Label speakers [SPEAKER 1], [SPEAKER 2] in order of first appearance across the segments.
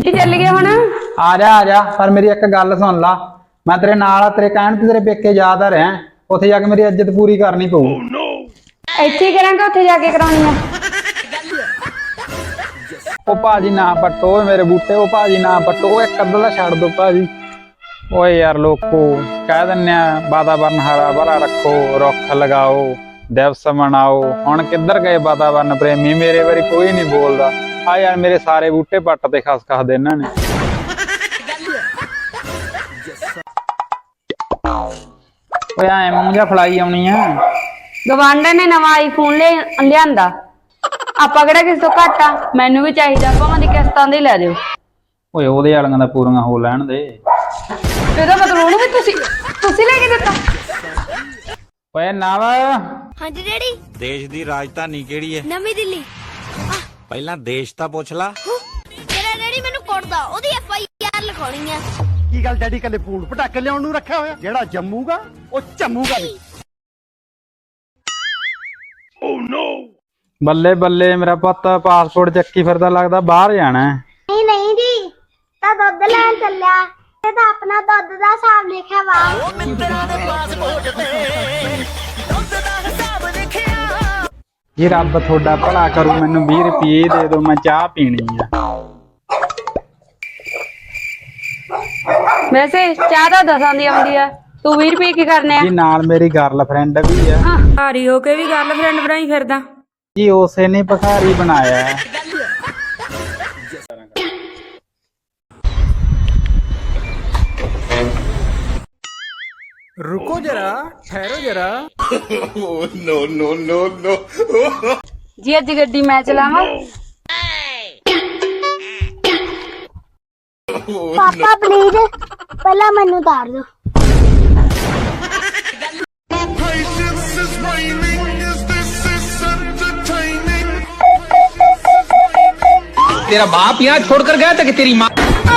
[SPEAKER 1] ਚੱਲ ਗਏ ਹੁਣ।
[SPEAKER 2] ਆ ਜਾ ਪਰ ਮੇਰੀ ਇੱਕ ਗੱਲ ਸੁਣ ਲਾ। ਮੈਂ ਤੇਰੇ ਨਾਲ ਆ, ਤੇਰੇ ਕਹਿਣ ਤੇ ਤੇਰੇ ਪੇਕੇ ਯਾਦ ਆ ਰਿਹਾ। ਉੱਥੇ ਜਾ ਕੇ ਮੇਰੀ ਇੱਜ਼ਤ ਪੂਰੀ ਕਰਨੀ ਪਊ।
[SPEAKER 1] ਇੱਥੇ ਹੀ ਕਰਾਂਗਾ, ਉੱਥੇ ਜਾ ਕੇ ਕਰਾਉਣੀ ਆ।
[SPEAKER 2] ਉਹ ਭਾਜੀ ਨਾ ਪੱਟੋ ਮੇਰੇ ਬੂਟੇ, ਉਹ ਭਾਜੀ ਨਾ ਪੱਟੋ, ਉਹ ਇੱਕ ਅੱਧਾ ਦਾ ਛੱਡ ਦੋ ਭਾਜੀ। ਓਏ ਯਾਰ ਲੋਕੋ ਕਹਿ ਦਿੰਨੇ ਆ ਵਾਤਾਵਰਨ ਹਰਾ ਭਰਾ ਰੱਖੋ, ਰੁੱਖ ਲਗਾਓ, ਦਿਵਸ ਮਨਾਓ। ਹੁਣ ਕਿੱਧਰ ਗਏ ਵਾਤਾਵਰਨ ਪ੍ਰੇਮੀ? ਮੇਰੇ ਵਾਰੀ ਕੋਈ ਨਹੀਂ ਬੋਲਦਾ। ਆ ਯਾਰ ਮੇਰੇ ਸਾਰੇ ਬੂਟੇ ਪੱਟ ਤੇ ਖਸ ਦੇ ਇਹਨਾਂ ਨੇ। ਓਏ ਐ ਮੂੰਹ ਜਿਹਾ ਫਲਾਈ ਆਉਣੀ ਆ।
[SPEAKER 1] ਗਵਾਂਢਣ ਨੇ ਨਵਾਂ ਆਈਫੋਨ ਲਿਆਂਦਾ, ਆਪਾਂ ਕਿਹੜਾ ਕਿਸੇ ਤੋਂ ਘੱਟ ਆ। ਮੈਨੂੰ ਵੀ ਚਾਹੀਦਾ, ਭਾਵੇਂ ਦੀ ਕਿਸ਼ਤਾਂ ਦੇ ਲੈ ਦਿਓ।
[SPEAKER 2] ਓਏ ਉਹਦੇ ਵਾਲੀਆਂ ਦਾ ਪੂਰੀਆਂ ਹੋ ਲੈਣ ਦੇ।
[SPEAKER 1] ਇਹਦਾ ਮਤਲਬ ਉਹਨੂੰ ਵੀ ਤੁਸੀਂ ਲੈ ਕੇ ਦਿੱਤਾ।
[SPEAKER 2] ਓਏ ਨਵ।
[SPEAKER 3] ਹਾਂਜੀ ਡੈਡੀ।
[SPEAKER 4] ਦੇਸ਼ ਦੀ ਰਾਜਧਾਨੀ ਕਿਹੜੀ ਹੈ?
[SPEAKER 3] ਨਵੀਂ ਦਿੱਲੀ।
[SPEAKER 4] ਪਹਿਲਾਂ ਦੇਸ਼ ਤਾਂ ਪੁੱਛ ਲਾ।
[SPEAKER 3] ਤੇਰਾ ਡੈਡੀ ਮੈਨੂੰ ਕੁੱਟਦਾ, ਉਹਦੀ FIR ਲਿਖਾਉਣੀ ਆ।
[SPEAKER 5] ਕੀ ਗੱਲ ਡੈਡੀ ਕੱਲੇ ਫੂਲ ਪਟਾਕੇ ਲਿਆਉਣ ਨੂੰ ਰੱਖਿਆ ਹੋਇਆ? ਜਿਹੜਾ ਜੰਮੂਗਾ ਉਹ ਝੰਮੂਗਾ ਵੀ।
[SPEAKER 2] ਬੱਲੇ ਬੱਲੇ ਮੇਰਾ ਪੁੱਤ ਪਾਸਪੋਰਟ ਚੱਕੀ ਫਿਰਦਾ, ਲੱਗਦਾ ਬਾਹਰ ਜਾਣਾ।
[SPEAKER 6] ਨਹੀਂ ਜੀ, ਤਾਂ ਦੁੱਧ ਲੈਣ ਚੱਲਿਆ ਤੇ ਤਾਂ ਆਪਣਾ ਦੁੱਧ ਦਾ ਹਿਸਾਬ ਲਿਖਿਆ ਵਾ। ਉਹ ਮਿੱਤਰਾਂ ਦੇ ਪਾਸਪੋਰਟ ਤੇ ਦੁੱਧ ਦਾ ਹਿਸਾਬ ਲਿਖਿਆ।
[SPEAKER 2] ਜੀ ਰੱਬ ਤੁਹਾਡਾ ਭਲਾ ਕਰੂ, ਮੈਨੂੰ 20 ਰੁਪਏ ਦੇ ਦਿਓ, ਮੈਂ ਚਾਹ ਪੀਣੀ ਆ।
[SPEAKER 1] ਵੈਸੇ ਚਾਹ ਤਾਂ 10 ਦੀ ਆਉਂਦੀ ਆ, ਤੂੰ 20 ਰੁਪਏ ਕੀ ਕਰਨੇ ਆ?
[SPEAKER 2] ਜੀ ਨਾਲ ਮੇਰੀ ਗਰਲਫ੍ਰੈਂਡ ਵੀ ਆ।
[SPEAKER 1] ਭਾਰੀ ਹੋ ਕੇ ਵੀ ਗਰਲਫ੍ਰੈਂਡ ਬਣਾਈ ਫਿਰਦਾ।
[SPEAKER 2] ਜੀ ਉਸੇ ਨੇ ਭਿਖਾਰੀ ਬਣਾਇਆ।
[SPEAKER 5] रुको जरा, ठहरो जरा। नो।
[SPEAKER 1] ਜੀ ਅੱਜ ਗੱਡੀ ਮੈਂ ਚਲਾਵਾਂ।
[SPEAKER 6] ਪਾਪਾ ਪਲੀਜ਼ ਪਹਿਲਾਂ ਮੈਨੂੰ ਉਤਾਰ ਦਿਓ।
[SPEAKER 7] तेरा बाप यहाँ छोड़कर गया था कि तेरी माँ?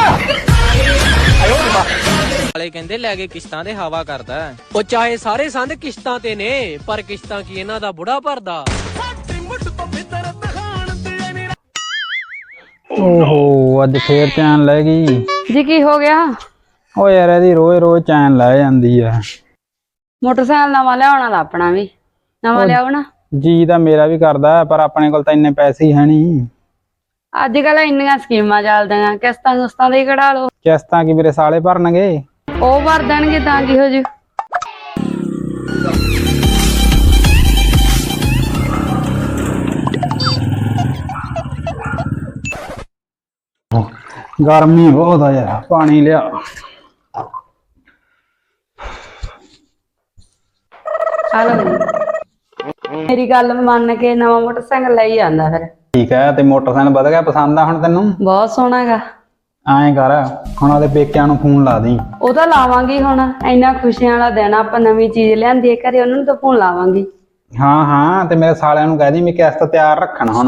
[SPEAKER 8] ਵਾਲੇ ਕਹਿੰਦੇ ਲੈ ਕੇ ਕਿਸ਼ਤਾਂ ਦੇ ਹਵਾ ਕਰਦਾ। ਉਹ ਚਾਹੇ ਸਾਰੇ ਸੰਦ ਕਿਸ਼ਤਾਂ ਤੇ ਨੇ, ਪਰ ਕਿਸ਼ਤਾਂ ਕੀ ਇਹਨਾਂ ਦਾ ਬੁੜਾ ਭਰਦਾ।
[SPEAKER 2] ਓਹੋ ਅੱਜ ਫੇਰ ਚੈਨ ਲੈ ਗਈ।
[SPEAKER 1] ਜੀ ਕੀ ਹੋ ਗਿਆ?
[SPEAKER 2] ਓ ਯਾਰ ਇਹਦੀ ਰੋਜ਼ ਚੈਨ ਲੈ ਜਾਂਦੀ ਆ।
[SPEAKER 1] ਮੋਟਰਸਾਈਕਲ ਨਵਾਂ ਲਿਆਉਣਾ ਦਾ, ਆਪਣਾ ਵੀ ਨਵਾਂ ਲਿਆਓ ਨਾ।
[SPEAKER 2] ਜੀ ਤਾਂ ਮੇਰਾ ਵੀ ਕਰਦਾ, ਪਰ ਆਪਣੇ ਕੋਲ ਤਾਂ ਇੰਨੇ ਪੈਸੇ ਹੀ ਹੈ ਨਹੀਂ।
[SPEAKER 1] ਅੱਜ ਕੱਲ ਇੰਨੀਆਂ ਸਕੀਮਾਂ ਚੱਲਦੀਆਂ, ਕਿਸ਼ਤਾਂ ਦੇ ਕਢਾ ਲਓ।
[SPEAKER 2] ਕਿਸ਼ਤਾਂ ਕੀ ਮੇਰੇ ਸਾਲੇ ਭਰਨਗੇ?
[SPEAKER 1] ਉਹ ਭਰ ਦੇਣਗੇ ਤਾਂ ਕੀ ਹੋ ਜੂ।
[SPEAKER 2] ਗਰਮੀ ਬਹੁਤ ਆ ਯਾਰ, ਪਾਣੀ ਲਿਆ।
[SPEAKER 1] ਆ ਲਓ, ਮੇਰੀ ਗੱਲ ਮੰਨ ਕੇ ਨਵਾਂ ਮੋਟਰਸਾਈਕਲ ਲਈ ਜਾਂਦਾ ਫਿਰ।
[SPEAKER 2] ਠੀਕ ਹੈ, ਤੇ ਮੋਟਰਸਾਈਕਲ ਵਧ ਗਿਆ ਪਸੰਦ ਆ ਹੁਣ ਤੈਨੂੰ?
[SPEAKER 1] ਬਹੁਤ ਸੋਹਣਾ ਹੈਗਾ।
[SPEAKER 2] ਐਂ ਕਰ ਹੁਣ ਉਹਦੇ ਪੇਕਿਆਂ ਨੂੰ ਫੋਨ ਲਾ ਦੀ।
[SPEAKER 1] ਉਹ ਤਾਂ ਲਾਵਾਂਗੀ, ਹੁਣ ਇੰਨਾ ਖੁਸ਼ੀਆਂ ਵਾਲਾ ਦਿਨ, ਆਪਾਂ ਨਵੀਂ ਚੀਜ਼ ਲਿਆਂਦੀ ਹੈ ਘਰੇ, ਉਹਨਾਂ ਨੂੰ ਤਾਂ ਫੋਨ ਲਾਵਾਂਗੀ।
[SPEAKER 2] ਹਾਂ ਤੇ ਮੇਰੇ ਸਾਲਿਆਂ ਨੂੰ ਕਹਿ ਦੀ ਮੈਂ ਕਿਸ਼ਤ ਤਿਆਰ ਰੱਖਣ ਹੁਣ।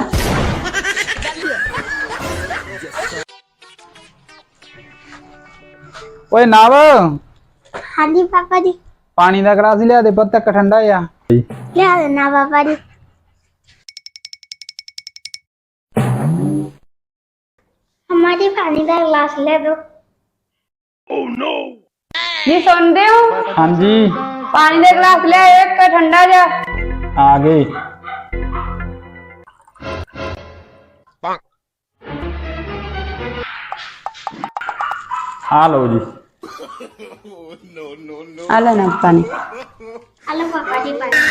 [SPEAKER 2] ਓਏ ਨਵ।
[SPEAKER 6] ਹਾਂਜੀ ਪਾਪਾ ਜੀ।
[SPEAKER 2] ਪਾਣੀ ਦਾ ਗਲਾਸ ਲਿਆ ਦੇ ਪੁੱਤ, ਇੱਕ ਠੰਡਾ ਆ।
[SPEAKER 6] ਲਿਆ ਦੇਣਾ ਪਾਪਾ ਜੀ। हमारी पानी का गिलास ले दो।
[SPEAKER 1] ਜੀ ਸੁਣਦੇ ਹੋ?
[SPEAKER 2] ਹਾਂਜੀ
[SPEAKER 1] ਪਾਣੀ ਦਾ ਗਲਾਸ ਲਿਆ, ਇੱਕ ਠੰਡਾ ਜਿਹਾ।
[SPEAKER 2] ਆ ਗਏ। ਆ ਲਓ ਜੀ।
[SPEAKER 1] ਆ ਲੈ ਨਾ ਪਾਣੀ।
[SPEAKER 6] हेलो पापा जी पानी।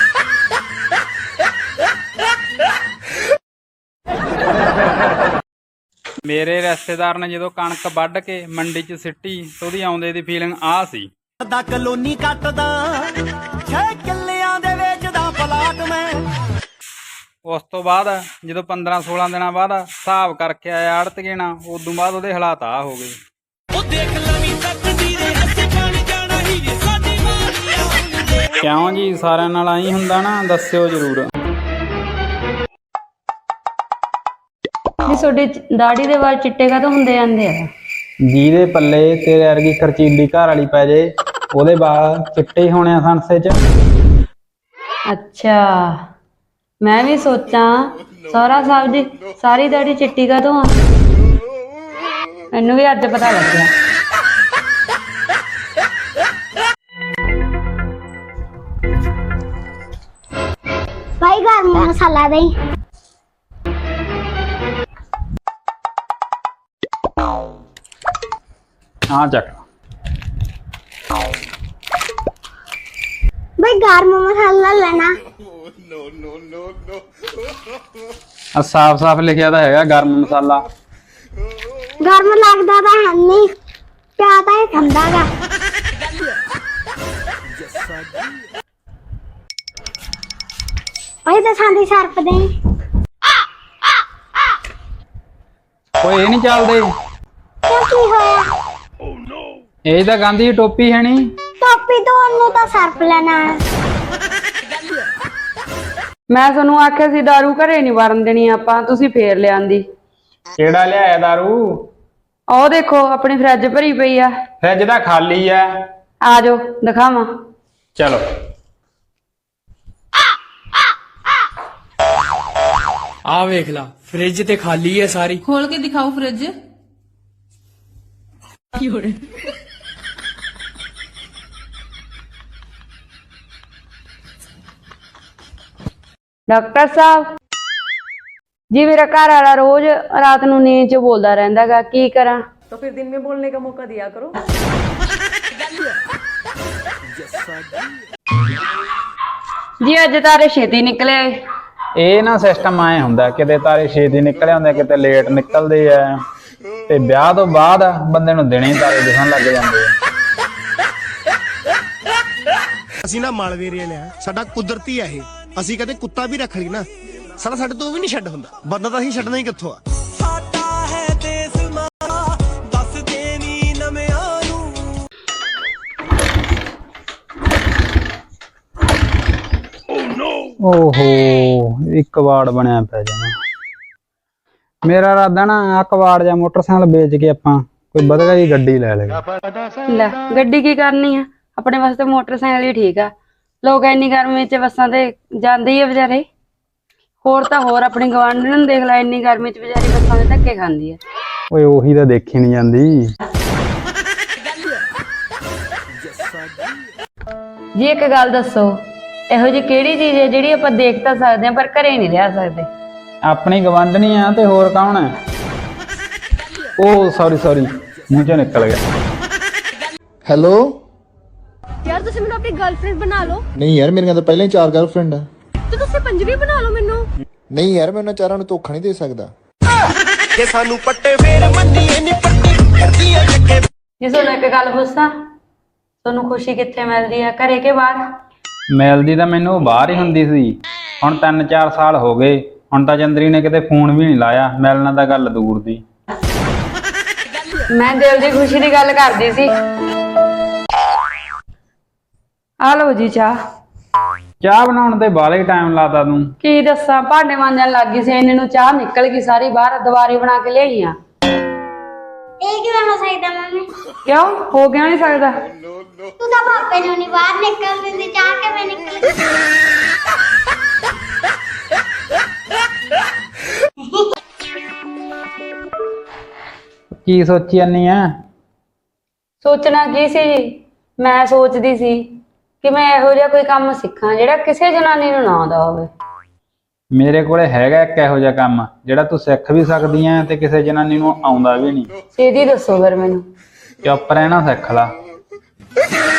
[SPEAKER 2] ਮੇਰੇ ਰਿਸ਼ਤੇਦਾਰ ਨੇ ਜਦੋਂ ਕਣਕ ਵੱਢ ਕੇ ਮੰਡੀ 'ਚ ਸਿੱਟੀ ਤੇ ਉਹਦੀ ਆਉਂਦੇ ਦੀ ਫੀਲਿੰਗ ਆ ਸੀ।
[SPEAKER 5] ਦਾ ਕਲੋਨੀ ਕੱਟਦਾ 6 ਕਿੱਲਿਆਂ ਦੇ ਵੇਚਦਾ ਪਲਾਟ ਮੈਂ।
[SPEAKER 2] ਉਸ ਤੋਂ ਬਾਅਦ ਜਦੋਂ 15-16 ਦਿਨਾਂ ਬਾਅਦ ਹਿਸਾਬ ਕਰਕੇ ਆਇਆ ਆੜਤੀਏ ਨਾਲ, ਉਦੋਂ ਬਾਅਦ ਉਹਦੇ ਹਾਲਾਤ ਆ ਹੋ ਗਏ। ਉਹ ਦੇਖ ਲਵੀਂ ਤੱਕਦੀ ਦੇ ਹੱਥੇ ਪਾਣੀ ਜਾਣਾ ਹੀ ਜੇ ਸਾਡੀ ਮਾਰੀ। ਕਿਉਂ ਜੀ, ਸਾਰਿਆਂ ਨਾਲ ਆਈ ਹੁੰਦਾ ਨਾ? ਦੱਸਿਓ ਜ਼ਰੂਰ।
[SPEAKER 1] ਜੀ ਤੁਹਾਡੀ ਦਾੜੀ ਦੇ ਵਾਲ ਚਿੱਟੇ ਕਾਹਤੋਂ ਹੁੰਦੇ ਜਾਂਦੇ ਆ?
[SPEAKER 2] ਜਿਹਦੇ ਪੱਲੇ ਤੇਰੇ ਵਰਗੀ ਖਰਚੀਲੀ ਘਰ ਵਾਲੀ ਪੈ ਜੇ, ਉਹਦੇ ਵਾਲ ਚਿੱਟੇ ਹੋਣੇ ਆ ਸੰਸੇ 'ਚ।
[SPEAKER 1] ਅੱਛਾ, ਮੈਂ ਵੀ ਸੋਚਾਂ ਸਹੁਰਾ ਸਾਹਿਬ ਜੀ ਸਾਰੀ ਦਾੜੀ ਚਿੱਟੀ ਕਾਹਤੋਂ ਆ? ਮੈਨੂੰ ਵੀ ਅੱਜ ਪਤਾ ਲੱਗਿਆ।
[SPEAKER 6] ਭਾਈ ਗਰਮ ਮਸਾਲਾ ਦੇ।
[SPEAKER 2] ਹਾਂ ਚੱਕ।
[SPEAKER 6] ਭਾਈ ਗਰਮ ਮਸਾਲਾ ਲੈਣਾ।
[SPEAKER 2] ਆ ਸਾਫ਼ ਲਿਖਿਆ ਤਾਂ ਹੈਗਾ ਗਰਮ ਮਸਾਲਾ।
[SPEAKER 6] ਗਰਮ ਲੱਗਦਾ ਤਾਂ ਹੈ ਨਹੀਂ, ਪਿਆ ਤਾਂ ਇਹ ਠੰਡਾ ਗਾ। ਭਾਈ ਦਸਾਂ ਦੀ ਸਰਪ ਦੇ।
[SPEAKER 2] ਓਏ ਇਹ ਨਹੀਂ ਚੱਲਦੇ।
[SPEAKER 6] ਕਿਉਂ ਕੀ ਹੋਇਆ?
[SPEAKER 2] ਇਹ ਤਾਂ ਗਾਂਧੀ ਟੋਪੀ ਹੈ ਨਹੀਂ।
[SPEAKER 6] ਟੋਪੀ ਤੋਂ ਉਹਨੂੰ ਤਾਂ ਸਰਪ ਲੈਣਾ ਹੈ।
[SPEAKER 1] ਮੈਂ ਤੁਹਾਨੂੰ ਆਖਿਆ ਸੀ ਦਾਰੂ ਘਰੇ ਨਹੀਂ ਵਰਨ ਦੇਣੀ ਆਪਾਂ, ਤੁਸੀਂ ਫੇਰ ਲਿਆਂਦੀ।
[SPEAKER 2] ਕਿਹੜਾ ਲਿਆਇਆ ਦਾਰੂ?
[SPEAKER 1] ਉਹ ਦੇਖੋ ਆਪਣੀ ਫਰਿੱਜ ਭਰੀ ਪਈ ਆ।
[SPEAKER 2] ਫਰਿੱਜ ਤਾਂ ਖਾਲੀ ਆ।
[SPEAKER 1] ਆ ਜਾਓ ਦਿਖਾਵਾਂ।
[SPEAKER 2] ਚਲੋ।
[SPEAKER 8] ਆ ਵੇਖ ਲਾ, ਫ੍ਰਿਜ ਤੇ ਖਾਲੀ ਹੈ ਸਾਰੀ।
[SPEAKER 9] ਖੋਲ ਕੇ ਦਿਖਾਓ ਫ੍ਰਿਜ।
[SPEAKER 1] ਡਾਕਟਰ ਸਾਹਿਬ ਜੀ, ਮੇਰਾ ਘਰ ਵਾਲਾ ਰੋਜ਼ ਰਾਤ ਨੂੰ ਨੀਂਦ 'ਚ ਬੋਲਦਾ ਰਹਿੰਦਾਗਾ, ਕੀ ਕਰਾਂ?
[SPEAKER 9] तो फिर दिन में बोलने का मौका दिया करो।
[SPEAKER 1] ਜੀ ਅੱਜ ਤਾਰੇ ਛੇਤੀ ਨਿਕਲੇ।
[SPEAKER 2] ਇਹ ਨਾ ਸਿਸਟਮ ਆਏ ਹੁੰਦਾ, ਕਿਤੇ ਤਾਰੇ ਛੇਤੀ ਨਿਕਲੇ ਹੁੰਦੇ, ਕਿਤੇ ਲੇਟ ਨਿਕਲਦੇ ਆ। ਤੇ ਵਿਆਹ ਤੋਂ ਬਾਅਦ ਬੰਦੇ ਨੂੰ ਦਿਨੇ ਹੀ ਤਾਰੇ ਦਿਖਣ ਲੱਗ ਜਾਂਦੇ ਆ।
[SPEAKER 5] ਅਸੀਂ ਨਾ ਮਾਲਵੇ ਏਰੀਆ ਲਿਆ, ਸਾਡਾ ਕੁਦਰਤੀ ਆ ਇਹ। ਅਸੀਂ ਕਦੇ ਕੁੱਤਾ ਵੀ ਰੱਖ ਲਈ ਨਾ, ਸਾਡਾ ਸਾਡੇ ਤੋਂ ਵੀ ਨਹੀਂ ਛੱਡ ਹੁੰਦਾ। ਬੰਦਾ ਤਾਂ ਅਸੀਂ ਛੱਡਣਾ ਹੀ ਕਿੱਥੋਂ ਆ।
[SPEAKER 2] ਓਹੋ, ਇੱਕ ਵਾੜ ਬਣਿਆ ਪਿਆ ਜਮਾ। ਮੇਰਾ ਇਰਾਦਾ ਨਾ ਆ ਕਬਾੜ ਜਾਂ ਮੋਟਰਸਾਈਕਲ ਵੇਚ ਕੇ ਆਪਾਂ ਕੋਈ ਵਧੀਆ ਜਿਹੀ ਗੱਡੀ ਲੈ ਲਈਏ।
[SPEAKER 1] ਲੈ ਗੱਡੀ ਕੀ ਕਰਨੀ ਆ, ਆਪਣੇ ਵਾਸਤੇ ਮੋਟਰਸਾਈਕਲ ਹੀ ਠੀਕ ਆ। ਲੋਕ ਇੰਨੀ ਗਰਮੀ 'ਚ ਬੱਸਾਂ ਤੇ ਜਾਂਦੇ ਹੀ ਆ ਵਿਚਾਰੇ। ਹੋਰ ਤਾਂ ਹੋਰ ਆਪਣੀ ਗਵਾਂਢਣ ਨੂੰ ਦੇਖ ਲੈ, ਇੰਨੀ ਗਰਮੀ 'ਚ ਵਿਚਾਰੀ ਬੱਸਾਂ ਦੇ ਧੱਕੇ ਖਾਂਦੀ ਆ।
[SPEAKER 2] ਓਏ ਉਹੀ ਤਾਂ ਦੇਖੀ ਨਹੀਂ ਜਾਂਦੀ।
[SPEAKER 1] ਜੀ ਇੱਕ ਗੱਲ ਦੱਸੋ, ਇਹੋ ਜਿਹੀ ਕਿਹੜੀ ਚੀਜ਼ ਹੈ ਜਿਹੜੀ ਆਪਾਂ ਦੇਖ ਤਾਂ ਸਕਦੇ ਹਾਂ ਪਰ ਘਰੇ ਨਹੀਂ ਰਹਿ ਸਕਦੇ?
[SPEAKER 2] ਆਪਣੀ ਗਵਾਂਢਣੀ ਆ ਤੇ ਹੋਰ ਕੌਣ ਹੈ? ਉਹ ਸੌਰੀ ਮੂੰਹ ਚੋਂ ਨਿਕਲ ਗਿਆ।
[SPEAKER 3] ਹੈਲੋ ਯਾਰ, ਤੁਸੀਂ ਮੈਨੂੰ ਆਪਣੀ ਗਰਲਫ੍ਰੈਂਡ ਬਣਾ ਲਓ।
[SPEAKER 10] ਨਹੀਂ ਯਾਰ, ਮੇਰੀਆਂ ਤਾਂ ਪਹਿਲਾਂ ਹੀ 4 ਗਰਲਫ੍ਰੈਂਡ ਆ।
[SPEAKER 3] ਤੇ ਤੁਸੀਂ ਪੰਜਵੀਂ ਬਣਾ ਲਓ ਮੈਨੂੰ।
[SPEAKER 10] ਨਹੀਂ ਯਾਰ, ਮੈਂ ਉਹਨਾਂ ਚਾਰਾਂ ਨੂੰ ਧੋਖਾ ਨਹੀਂ ਦੇ ਸਕਦਾ।
[SPEAKER 5] ਕਿ ਸਾਨੂੰ ਪੱਟੇ ਫੇਰ ਮੰਨੀਏ ਨੀ ਪੱਟੀ ਕਰਦੀਆਂ ਜੱਕੇ।
[SPEAKER 1] ਜੀ ਤੁਹਾਨੂੰ ਇੱਕ ਗੱਲ ਪੁੱਛਾਂ, ਤੁਹਾਨੂੰ ਖੁਸ਼ੀ ਕਿੱਥੇ ਮਿਲਦੀ ਆ, ਘਰੇ ਕੇ ਬਾਹਰ?
[SPEAKER 2] ਮਿਲਦੀ ਤਾਂ ਮੈਨੂੰ ਬਾਹਰ ਹੀ ਹੁੰਦੀ ਸੀ, ਹੁਣ 3-4 ਸਾਲ ਹੋ ਗਏ। ਹੁਣ ਤਾਂ ਚੰਦਰੀ ਨੇ ਕਿਤੇ ਫੋਨ ਵੀ ਨਹੀਂ ਲਾਇਆ, ਮਿਲਣਾ ਤਾਂ ਗੱਲ ਦੂਰ ਦੀ।
[SPEAKER 1] ਮੈਂ ਦਿਲ ਦੀ ਖੁਸ਼ੀ ਦੀ ਗੱਲ ਕਰਦੀ ਸੀ। ਆ ਲਓ ਜੀ ਚਾਹ
[SPEAKER 2] ਬਣਾਉਣ ਤੇ ਬਾਹਲਾ ਹੀ ਟਾਈਮ ਲਾਤਾ ਤੂੰ।
[SPEAKER 1] ਕੀ ਦੱਸਾਂ, ਭਾਂਡੇ ਮਾਂਜਣ ਲੱਗ ਗਈ ਸੀ, ਇੰਨੇ ਨੂੰ ਚਾਹ ਨਿਕਲ ਗਈ ਸਾਰੀ ਬਾਹਰ, ਦੁਬਾਰੇ ਬਣਾ ਕੇ ਲਿਆਈ ਆ।
[SPEAKER 6] ਇਹ ਕਿਵੇਂ ਹੋ ਸਕਦਾ ਮੰਮੀ?
[SPEAKER 1] ਕਿਉਂ ਹੋ ਗਿਆ ਨਹੀਂ ਸਕਦਾ?
[SPEAKER 6] ਤੂੰ ਤਾਂ ਪਾਪੇ ਨੂੰ ਨਹੀਂ ਬਾਹਰ ਨਿਕਲ ਦਿੰਦੀ, ਚਾਹ ਕਿਵੇਂ ਨਿਕਲ ਗਈ?
[SPEAKER 2] ਕੀ ਸੋਚੀ ਜਾਨੀ ਆ?
[SPEAKER 1] ਸੋਚਣਾ ਕੀ ਸੀ ਜੀ, ਮੈਂ ਸੋਚਦੀ ਸੀ ਕਿ ਮੈਂ ਇਹੋ ਜਿਹਾ ਕੋਈ ਕੰਮ ਸਿੱਖਾਂ ਜਿਹੜਾ ਕਿਸੇ ਜਨਾਨੀ ਨੂੰ ਨਾ ਆਉਂਦਾ ਹੋਵੇ।
[SPEAKER 2] ਮੇਰੇ ਕੋਲੇ ਹੈਗਾ ਇੱਕ ਇਹੋ ਜਿਹਾ ਕੰਮ ਜਿਹੜਾ ਤੂੰ ਸਿੱਖ ਵੀ ਸਕਦੀ ਆ ਤੇ ਕਿਸੇ ਜਨਾਨੀ ਨੂੰ ਆਉਂਦਾ ਵੀ ਨਹੀਂ।
[SPEAKER 1] ਛੇਤੀ ਦੱਸੋ ਫਿਰ ਮੈਨੂੰ।
[SPEAKER 2] ਚੁੱਪ ਰਹਿਣਾ ਸਿੱਖ ਲਾ।